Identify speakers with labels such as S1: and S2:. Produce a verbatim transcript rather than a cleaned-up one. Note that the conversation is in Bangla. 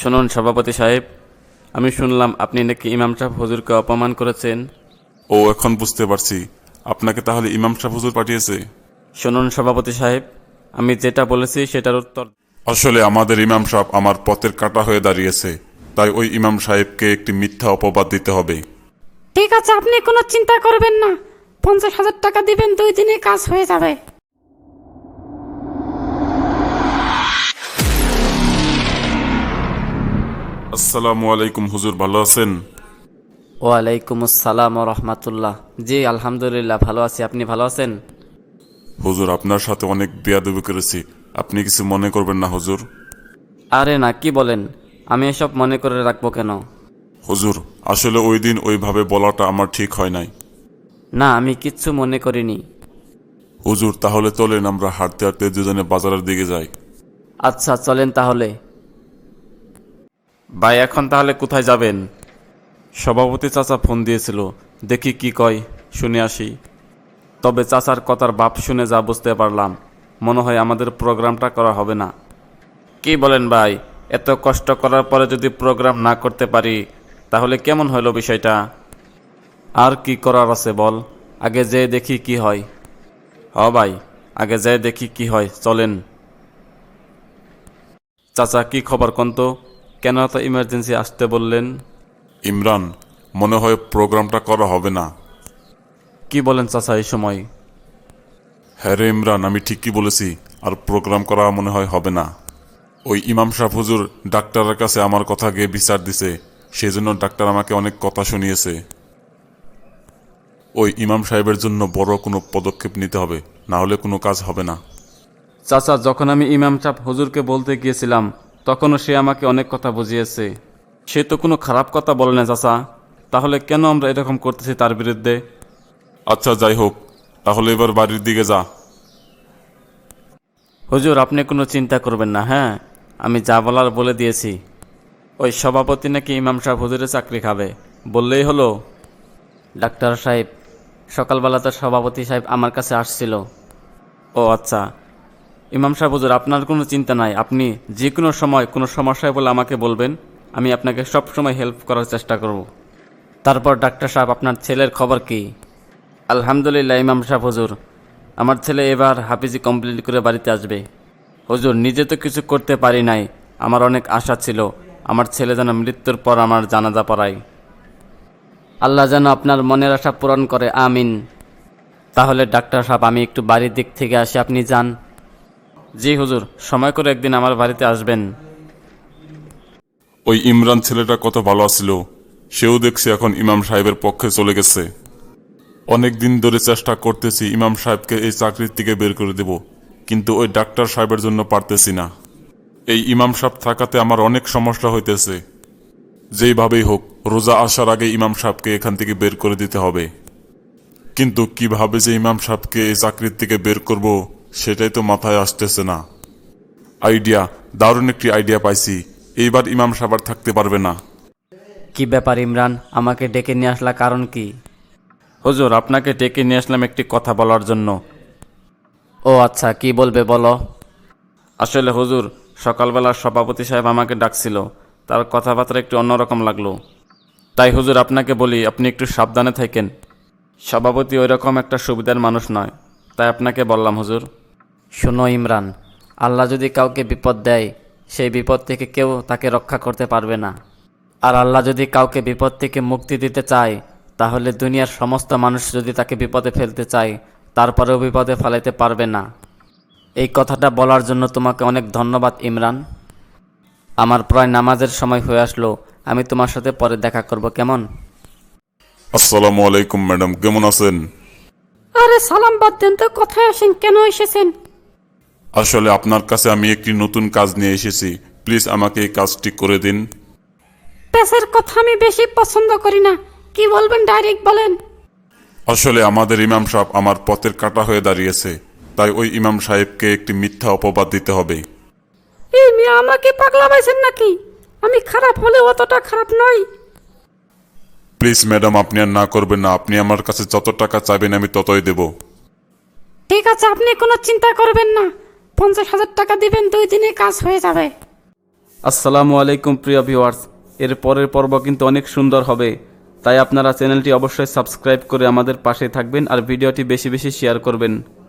S1: শুনুন সভাপতি সাহেব, আমি শুনলাম আপনি নাকি ইমাম সাহেব হুজুরকে অপমান করেছেন।
S2: ও এখন বুঝতে পারছি, আপনাকে তাহলে ইমাম সাহেব হুজুর পাঠিয়েছে।
S1: শুনুন সভাপতি সাহেব, আমি যেটা বলেছি সেটার উত্তর।
S2: আসলে আমাদের ইমাম সাহেব আমার পথের কাঁটা হয়ে দাঁড়িয়েছে, তাই ওই ইমাম সাহেবকে একটি মিথ্যা অপবাদ দিতে হবে।
S3: ঠিক আছে, আপনি কোনো চিন্তা করবেন না। পঞ্চাশ হাজার টাকা দিবেন, দুই দিনে কাজ হয়ে যাবে।
S2: আসসালামু আলাইকুম হুজুর, ভালো আছেন?
S1: ওয়ালাইকুম আসসালাম ও রহমতুল্লাহ। জি আলহামদুলিল্লাহ ভালো আছি, আপনি ভালো আছেন?
S2: হুজুর, আপনার সাথে অনেক বেয়াদবি করেছি, আপনি কিছু মনে করবেন না হুজুর।
S1: আরে না, কি বলেন, আমি এসব মনে করে রাখবো কেন?
S2: হুজুর, আসলে ওই দিন ওইভাবে বলাটা আমার ঠিক হয় নাই।
S1: না, আমি কিচ্ছু মনে করিনি।
S2: হুজুর, তাহলে চলেন আমরা হাঁটতে হাঁটতে দুজনে বাজারের দিকে যাই।
S1: আচ্ছা চলেন তাহলে। ভাই এখন তাহলে কোথায় যাবেন? সভাপতি চাচা ফোন দিয়েছিল, দেখি কি কয়, শুনে আসি। তবে চাচার কথার ভাব শুনে যা বুঝতে পারলাম, মনে হয় আমাদের প্রোগ্রামটা করা হবে না। কি বলেন ভাই, এত কষ্ট করার পরে যদি প্রোগ্রাম না করতে পারি তাহলে কেমন হলো বিষয়টা? আর কি করার আছে বল, আগে যেয়ে দেখি কি হয়। হ ভাই, আগে যেয়ে দেখি কি হয়, চলেন। চাচা কি খবর কন্ত, কেন এত ইমার্জেন্সি আসতে বললেন?
S2: ইমরান, মনে হয় প্রোগ্রামটা করা হবে না।
S1: কি বলেন চাচা এই সময়?
S2: হ্যাঁ রে ইমরান, আমি ঠিকই বলেছি, আর প্রোগ্রাম করা মনে হয় হবে না। ওই ইমাম সাহেব হুজুর ডাক্তারের কাছে আমার কথা গিয়ে বিচার দিছে, সেই জন্য ডাক্তার আমাকে অনেক কথা শুনিয়েছে। ওই ইমাম সাহেবের জন্য বড় কোনো পদক্ষেপ নিতে হবে, না হলে কোনো কাজ হবে না।
S1: চাচা, যখন আমি ইমাম সাহেব হুজুরকে বলতে গিয়েছিলাম তখনও সে আমাকে অনেক কথা বুঝিয়েছে। সে তো কোনো খারাপ কথা বলে না চাচা, তাহলে কেন আমরা এরকম করতেছি তার বিরুদ্ধে?
S2: আচ্ছা যাই হোক, তাহলে এবার বাড়ির দিকে যা।
S1: হুজুর আপনি কোনো চিন্তা করবেন না, হ্যাঁ আমি যা বলার বলে দিয়েছি। ওই সভাপতি নাকি ইমাম সাহেব হুজুরের চাকরি খাবে, বললেই হলো। ডাক্তার সাহেব, সকালবেলা তো সভাপতি সাহেব আমার কাছে আসছিল। ও আচ্ছা, ইমাম সাহেব হুজুর আপনার কোনো চিন্তা নাই, আপনি যে কোনো সময় কোনো সমস্যায় বলে আমাকে বলবেন, আমি আপনাকে সব সময় হেল্প করার চেষ্টা করব। তারপর ডাক্তার সাহেব, আপনার ছেলের খবর কি? আলহামদুলিল্লাহ ইমাম সাহেব হুজুর, আমার ছেলে এবার হাফিজি কমপ্লিট করে বাড়িতে আসবে। হুজুর নিজে তো কিছু করতে পারি নাই, আমার অনেক আশা ছিল আমার ছেলে যেন মৃত্যুর পর আমার জানাজা পড়ায়। আল্লাহ যেন আপনার মনের আশা পূরণ করে, আমিন। তাহলে ডাক্তার সাহেব আমি একটু বাড়ির দিক থেকে আসি, আপনি যান। জি হুজুর, সময় করে একদিন আমার বাড়িতে আসবেন।
S2: ওই ইমরান ছেলেটা কত ভালো ছিল, সেও দেখছি এখন ইমাম সাহেবের পক্ষে চলে গেছে। অনেক দিন ধরে চেষ্টা করতেছি ইমাম সাহেবকে এই চাকরির থেকে বের করে দেব, কিন্তু ওই ডাক্তার সাহেবের জন্য পারতেছি না। এই ইমাম সাহেব থাকাতে আমার অনেক সমস্যা হইতেছে। যেইভাবেই হোক রোজা আসার আগে ইমাম সাহেবকে এখান থেকে বের করে দিতে হবে। কিন্তু কিভাবে যে ইমাম সাহেবকে এই চাকরির থেকে বের করব সেটাই তো মাথায় আসতেছে না। আইডিয়া, দারুণ একটি আইডিয়া পাইছি, এইবার ইমাম সাহেব আর থাকতে পারবে না।
S1: কি ব্যাপার ইমরান, আমাকে ডেকে নিয়ে আসলা কারণ কি? হুজুর আপনাকে ডেকে নিয়ে আসলাম একটি কথা বলার জন্য। ও আচ্ছা, কি বলবে বলো। আসলে হুজুর, সকালবেলা সভাপতি সাহেব আমাকে ডাকছিল, তার কথাবার্তা একটু অন্যরকম লাগলো। তাই হুজুর আপনাকে বলি, আপনি একটু সাবধানে থাকেন। সভাপতি ওই রকম একটা সুবিধার মানুষ নয়, তাই আপনাকে বললাম হুজুর। শোনো ইমরান, আল্লাহ যদি কাউকে বিপদ দেয়, সেই বিপদ থেকে কেউ তাকে রক্ষা করতে পারবে না। আর আল্লাহ যদি কাউকে বিপদ থেকে মুক্তি দিতে চায়, তাহলে দুনিয়ার সমস্ত মানুষ যদি তাকে বিপদে ফেলতে চায়, তারপরেও বিপদে ফেলাইতে পারবে না। এই কথাটা বলার জন্য তোমাকে অনেক ধন্যবাদ ইমরান। আমার প্রায় নামাজের সময় হয়ে আসলো, আমি তোমার সাথে পরে দেখা করব, কেমন?
S2: আসসালামু আলাইকুম ম্যাডাম, কেমন আছেন?
S3: আরে সালাম বাদ দেন তো, কোথায় আসেন, কেন এসেছেন?
S2: আসলে আপনার কাছে আমি একটি নতুন কাজ নিয়ে এসেছি, প্লিজ আমাকে এই কাজটি করে দিন।
S3: পেশার কথা আমি বেশি পছন্দ করি না, কি বলবেন ডাইরেক্ট বলেন।
S2: আসলে আমাদের ইমাম সাহেব আমার পথের কাঁটা হয়ে দাঁড়িয়েছে, তাই ওই ইমাম সাহেবকে একটি মিথ্যা অপবাদ দিতে হবে।
S3: এই মেয়ে আমাকে পাগলা পাইছেন নাকি? আমি খারাপ হলে অতটা খারাপ নই।
S2: প্লিজ ম্যাডাম, আপনি আর না করবেন না, আপনি আমার কাছে যত টাকা চাইবেন আমি ততই দেব।
S3: ঠিক আছে, আপনি কোনো চিন্তা করবেন না। পঞ্চাশ হাজার টাকা দিবেন, দুই দিনে কাজ হয়ে যাবে।
S1: আসসালামু আলাইকুম প্রিয় ভিউয়ার্স, এর পরের পর্ব কিন্তু অনেক সুন্দর হবে, তাই আপনারা চ্যানেলটি অবশ্যই সাবস্ক্রাইব করে আমাদের পাশে থাকবেন আর ভিডিওটি বেশি বেশি শেয়ার করবেন।